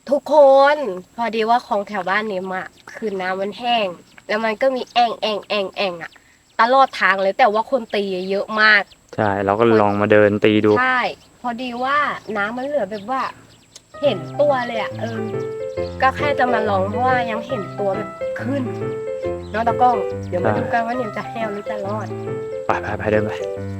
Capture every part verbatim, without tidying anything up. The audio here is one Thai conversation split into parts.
ทุกคนพอดีว่าของแถวบ้านเนมอะคือน้ำมันแห้งแล้วมันก็มีแอ่งแอ่งแอ่งแอ่งอะตลอดทางเลยแต่ว่าคนตีเยอะมากใช่เราก็ลองมาเดินตีดูใช่พอดีว่าน้ำมันเหลือแบบว่าเห็นตัวเลยอะเออก็แค่จะมาลองเพราะว่ายังเห็นตัวแบบขึ้นเนาะตะกล้องเดี๋ยวมาดูกันว่าเนมจะแห้วหรือจะรอดไปไปไปเดินไป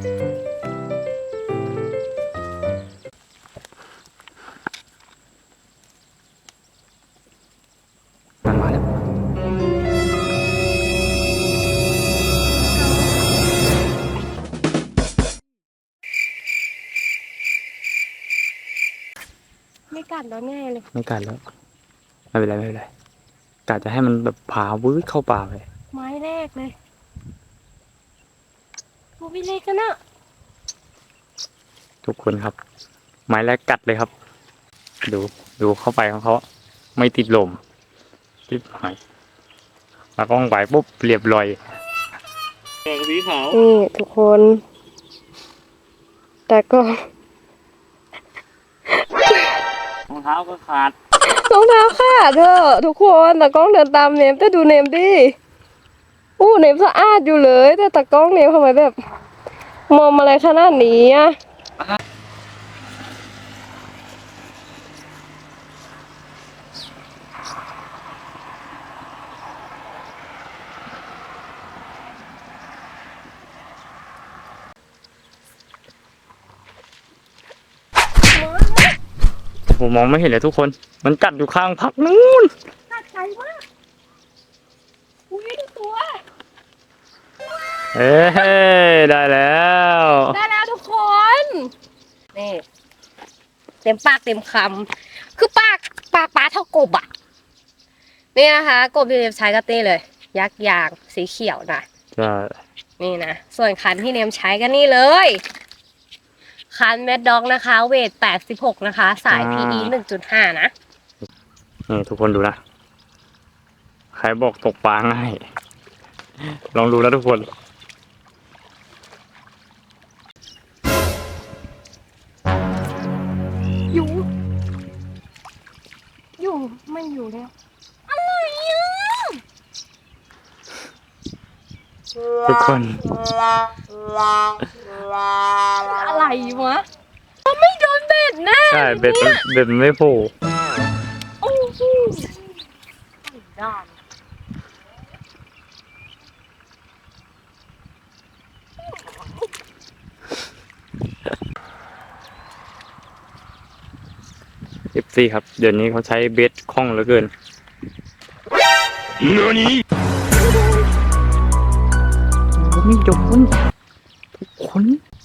มันมาแล้วไม่กัดแล้วแน่เลยไม่กัดแล้วไม่เป็นไรไม่เป็นไรกะจะให้มันแบบพาวืดเข้าป่าไปไม้แรกเลยโอ้ยเล็กกันอะทุกคนครับไม้แรกกัดเลยครับดูดูเข้าไปของเขาไม่ติดลมรีบหายแล้วก็ไปปุ๊บเรียบร้อยสีขาวนี่ทุกคนแต่ก็รองเท้าก็ขาดรองเท้าขาดเถอะทุกคนตากล้องเดินตามเนมแต่ดูเนมดิอู้เนมสะอาดอยู่เลยแต่ตากล้องเนมทำไมแบบมอมอะไรขนาดนี้อะผมมองไม่เห็นเลยทุกคนมันกัดอยู่ข้างพักนู้นกัดใจมากอุ้ยดูตัวเอ้ได้แล้วได้แล้วทุกคนนี่เต็มปากเต็มคำคือปากปากปลาเท่ากบอ่ะนี่นะคะกบที่เนมใช้ก็เต้เลยยักษ์ยางสีเขียวนะใช่นี่นะส่วนคันที่เนมใช้ก็นี่เลยคันแมดด็อกนะคะเวทแปดสิบหกนะคะสาย พี อี หนึ่งจุดห้า นะนี่ทุกคนดูนะใครบอกตกปลาง่ายลองดูนะทุกคนอยู่อยู่ไม่อยู่แล้วอะไรอ่ะทุกคนอะไรวะไม่โดนเบ็ดแน่ใช่เบ็ดมันเบ็ดมันไม่โผล่โอ้โหด้านเอฟซีครับเดี๋ยวนี้เขาใช้เบ็ดคล่องเหลือเกินเนื้อนี้ไม่โดนทุกคน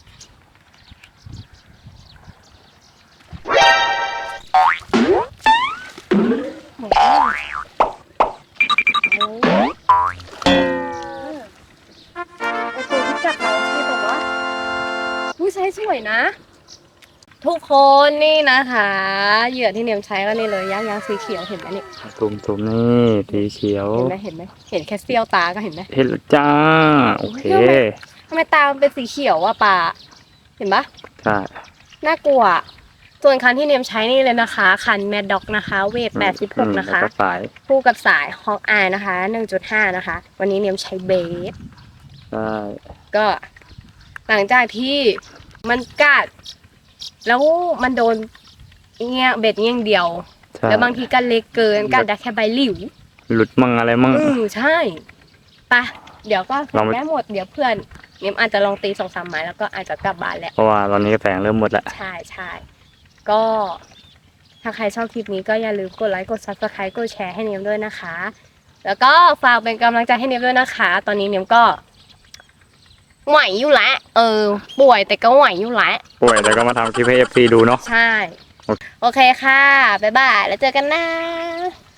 ไอตัวที่กัดเราที่บอกว่าผู้ใช้สวยนะ ทุกคนนี่นะคะเหยื่อที่เนียมใช้ก็นี่เลยยักษ์ยางสีเขียวเห็นไหมนี่ตุ่มตุ่มนี่สีเขียวเห็นไหมเห็นไหมเห็นแค่เสี้ยวตาก็เห็นไหมเห็นแล้วจ้าโอเคทำไมตามันเป็นสีเขียวอะปลาเห็นปะใช่น่ากลัวส่วนคันที่เนียมใช้นี่เลยนะคะคันแมดด็อกนะคะเวทแปดสิบหกนะคะคู่กับสายฮอกอายนะคะ หนึ่งจุดห้า นะคะวันนี้เนียมใช้เบสใช่ก็หลังจากที่มันกัดแล้วมันโดนเงี้ยเบ็ดเงี้ยเดียวแล้วบางทีก็เล็กเกินกัดได้แค่ใบหลิวหลุดมั่งอะไรมั่งอืมใช่ปะเดี๋ยวก็แม่หมดเดี๋ยวเพื่อนเนียมอาจจะลองตีสองสามไม้แล้วก็อาจจะกลับบ้านแหละเพราะว่าตอนนี้แสงเริ่มหมดแล้วใช่ใช่ก็ถ้าใครชอบคลิปนี้ก็อย่าลืมกดไลค์กดซับสไครต์กดแชร์ให้เนียมด้วยนะคะแล้วก็ฝากเป็นกำลังใจให้เนียมด้วยนะคะตอนนี้เนียมก็ไหวอยู่แล้วเออป่วยแต่ก็ไหวอยู่แล้วป่วยแต่ก็มาทำคลิปให้เอฟซีดูเนาะใช่โอเคค่ะบ๊ายบายแล้วเจอกันนะ